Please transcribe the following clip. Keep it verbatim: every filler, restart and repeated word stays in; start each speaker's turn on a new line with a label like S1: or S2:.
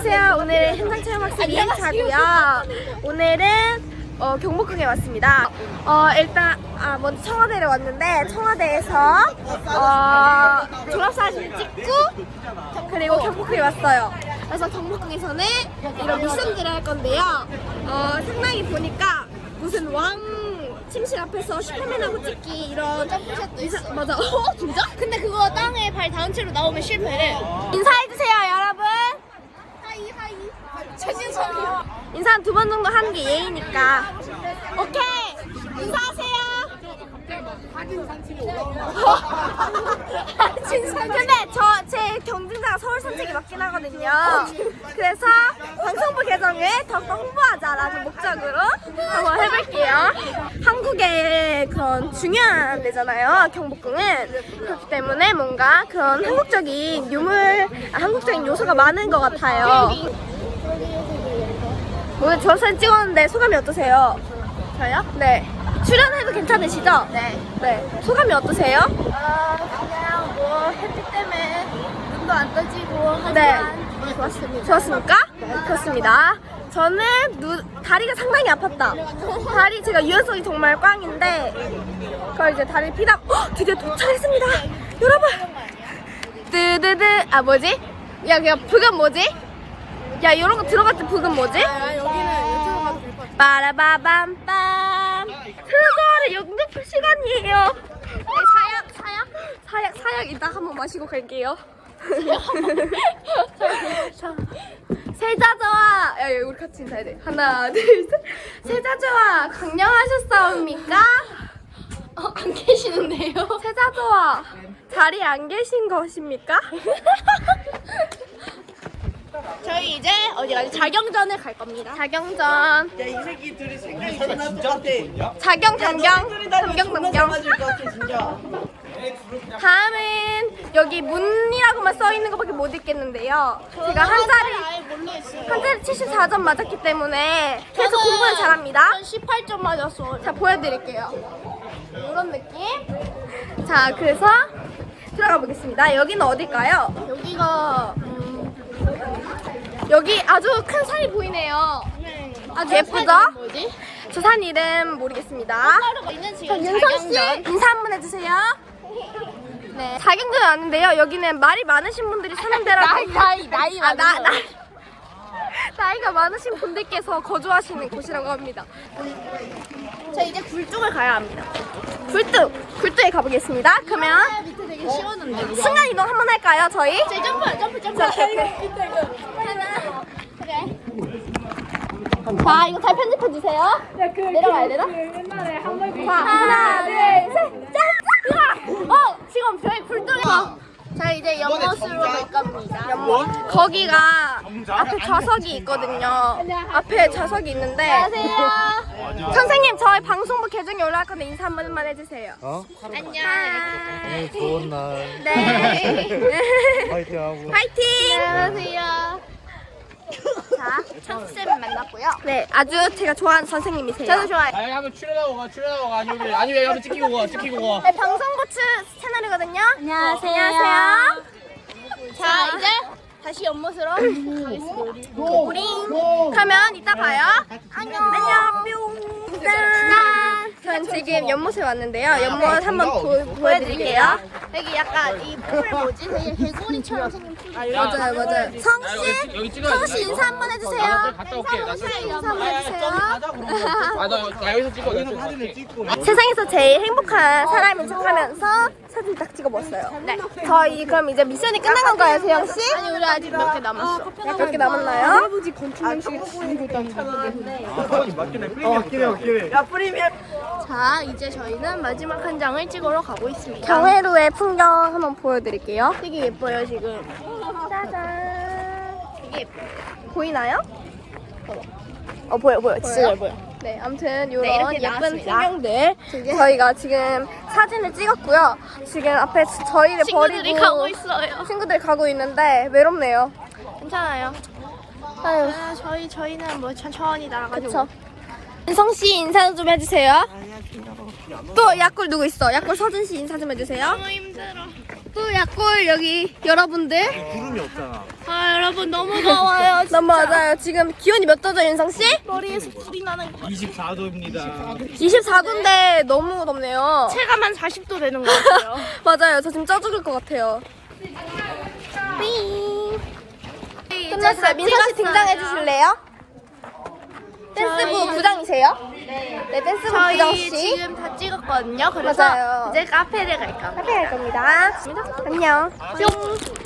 S1: 안녕하세요. 오늘 현장 체험 학습 이 일차고요. 오늘은 어, 경복궁에 왔습니다. 어, 일단 아, 먼저 청와대를 왔는데 청와대에서 어, 졸업사진 찍고 그리고 경복궁에 왔어요. 그래서 경복궁에서는 이런 미션들을 할 건데요. 어, 상당히 보니까 무슨 왕 침실 앞에서 슈퍼맨하고 찍기 이런 점프샷도 있어. 맞아. 어? 진짜?
S2: 근데 그거 땅에 발 닿은 채로 나오면 실패해.
S1: 인사해주세요 여러분.
S2: 하이 하이. 최진석이요.
S1: 인사 한 두 번 정도 하는 게 예의니까. 오케이. 인사하세요. 근데 저 제 경쟁자가 서울 산책이 맞긴 하거든요. 그래서 방송부 계정을 더욱더 홍보하자라는 목적으로 한번 해볼게요. 한국의 그런 중요한 데잖아요. 경복궁은. 그렇기 때문에 뭔가 그런 한국적인 유물, 아, 한국적인 요소가 많은 것 같아요. 오늘 졸업사진 찍었는데 소감이 어떠세요?
S2: 저요?
S1: 네. 출연해도 괜찮으시죠?
S2: 네.
S1: 네. 소감이 어떠세요?
S2: 어 그냥 뭐 햇빛 때문에 눈도 안 떠지고 하지만
S1: 네.
S2: 좋았습니다.
S1: 좋았습니까? 네. 그렇습니다. 저는 누, 다리가 상당히 아팠다. 다리 제가 유연성이 정말 꽝인데 그걸 이제 다리를 피다 헉, 드디어 도착했습니다. 여러분. 뜨드드 아 뭐지? 야 그냥 북은 뭐지? 야 이런 거 들어갈 때 북은 뭐지?
S2: 아, 여기는 유튜브 가도 될 것 같아.
S1: 빠라바밤빰 트로저를 연극 시간이에요.
S2: 사약 사약.
S1: 사약 사약 이따 한번 마시고 갈게요. 자, 세자저와 야, 야 우리 같이 인사해야 돼. 하나 둘 셋. 세자저와 강령하셨사옵니까?
S2: 어, 안 계시는데요?
S1: 세자저와 자리에 안 계신 것입니까?
S2: 저희 이제 어디 가지? 자경전을 갈 겁니다.
S1: 자경전.
S3: 야, 이 새끼 둘이 생각이 존나 똑같아.
S1: 자경 담경 담경 담경.
S3: 맞을 것 같아, 진짜.
S1: 다음은 여기 문이라고만 써 있는 것밖에 못 읽겠는데요. 제가 한자를
S2: 아예 모르겠어요.
S1: 한자를 칠십사 점 맞았기 때문에 계속 공부는 잘합니다.
S2: 전 십팔 점 맞았어.
S1: 자 보여드릴게요. 이런 느낌. 자 그래서 들어가 보겠습니다. 여기는 어딜까요?
S2: 여기가 음,
S1: 여기 아주 큰 산이 보이네요. 아주 예쁘죠?
S2: 뭐지?
S1: 저 산 이름 모르겠습니다.
S2: 하루가 있는 지금
S1: 윤성 씨
S2: 자경전.
S1: 인사 한번 해주세요. 네. 자경전에 왔는데요. 여기는 말이 많으신 분들이 사는 데라고.
S2: 나이 나이 나이
S1: 아, 나,
S2: 많은
S1: 나.
S2: 거.
S1: 나이가 많으신 분들께서 거주하시는 곳이라고 합니다.
S2: 자 이제 굴뚝을 가야 합니다.
S1: 굴뚝! 굴뚝에 가보겠습니다. 그러면
S2: 아, 밑에 되게 시원한데.
S1: 순간 이동 한번 할까요, 저희?
S2: 제 점프 점프 점프.
S1: 자, 오케이, 오케이.
S2: 하나. 그래.
S1: 자, 이거 잘 편집해주세요. 내려가야 되나? 자, 하나, 둘, 셋, 짠! 으아! 어, 지금 저희 굴뚝에.
S2: 자 이제 연못으로 갈 겁니다.
S1: 연못. 거기가 앞에 좌석이 있거든요. 앞에 좌석이 있는데.
S2: 안녕하세요.
S1: 선생님, 저희 방송부 계정에 올라갈 건데 인사 한 번만 해주세요.
S4: 어?
S2: 안녕.
S4: 오늘 좋은 날
S1: 네.
S4: 파이팅하고
S1: 파이팅!
S2: 안녕하세요. 자 천쌤 만났고요.
S1: 네, 아주 제가 좋아하는 선생님이세요.
S2: 저도 좋아해요.
S5: 아니 한번 출연하고 가 출연하고 가 아니면 아니면 한번 찍히고 가 찍히고 가.
S1: 네, 방송고추 채널이거든요.
S2: 안녕하세요.
S1: 안녕하세요.
S2: 자 이제 다시 연못으로 가겠습니다.
S1: 우링. 가면 이따 봐요. 안녕. 안녕. 뿅. 짠. 전 지금 연못에 왔는데요. 연못 한번 보, 보여드릴게요.
S2: 여기 약간 이 풀 뭐지? 되게 개구리처럼 생긴 풀.
S1: 맞아요, 맞아요.
S5: 여기,
S1: 성씨,
S5: 여기 찍어야
S1: 성씨
S5: 돼.
S1: 인사 한번 해주세요.
S5: 나 갔다 올게. 나
S1: 인사 한번 해주세요.
S5: 아, 나, 나 여기서 찍어. 나
S4: 사진을 찍고
S1: 세상에서 제일 행복한 사람인 척하면서 사진 딱 찍어 먹었어요. 네. 저희 그럼 이제 미션이 끝난 건가요, 세영 씨?
S2: 아니 우리 아직 몇 개 남았어.
S1: 몇 개 남았나요?
S4: 어 맞긴 해 맞긴 해
S3: 야, 프리미엄.
S2: 자 이제 저희는 마지막 한 장을 찍으러 가고 있습니다.
S1: 경회로의 풍경 한번 보여드릴게요.
S2: 되게 예뻐요 지금.
S1: 짜잔.
S2: 되게 예뻐요.
S1: 보이나요? 어 보여 보여 진짜 잘 보여.
S2: 보여요?
S1: 네 아무튼 이런
S2: 네, 이렇게
S1: 예쁜
S2: 나왔습니다.
S1: 풍경들 저희가 지금 사진을 찍었고요. 지금 앞에 저희를
S2: 친구들이
S1: 버리고
S2: 가고 있어요.
S1: 친구들이 가고 있는데 외롭네요.
S2: 괜찮아요.
S1: 아유
S2: 아, 저희 저희는 뭐 천천히 날아가지고.
S1: 그쵸. 인성 씨 인사 좀 해주세요. 또 약골 누구 있어? 약골 서준 씨 인사 좀 해주세요.
S2: 너무 힘들어.
S1: 또 약골 여기 여러분들.
S4: 구름이 없잖아
S2: 아 여러분 너무 더워요
S1: 너무 맞아요. 지금 기온이 몇 도죠, 윤성 씨?
S2: 머리에서 불이 나는 거.
S5: 이십사 도입니다.
S1: 이십사 도인데 너무 덥네요.
S2: 체감 한 사십 도 되는 것 같아요.
S1: 맞아요. 저 지금 쪄 죽을 것 같아요. 삥. 끝났어요. 민서 씨 등장해 주실래요? 댄스부
S2: 저희-
S1: 부장이세요? 네, 댄스부 부장
S2: 저희
S1: 씨.
S2: 지금 다 찍었거든요. 그래서
S1: 맞아요.
S2: 이제 카페를 갈까.
S1: 카페 갈 겁니다. 안녕. 뿅.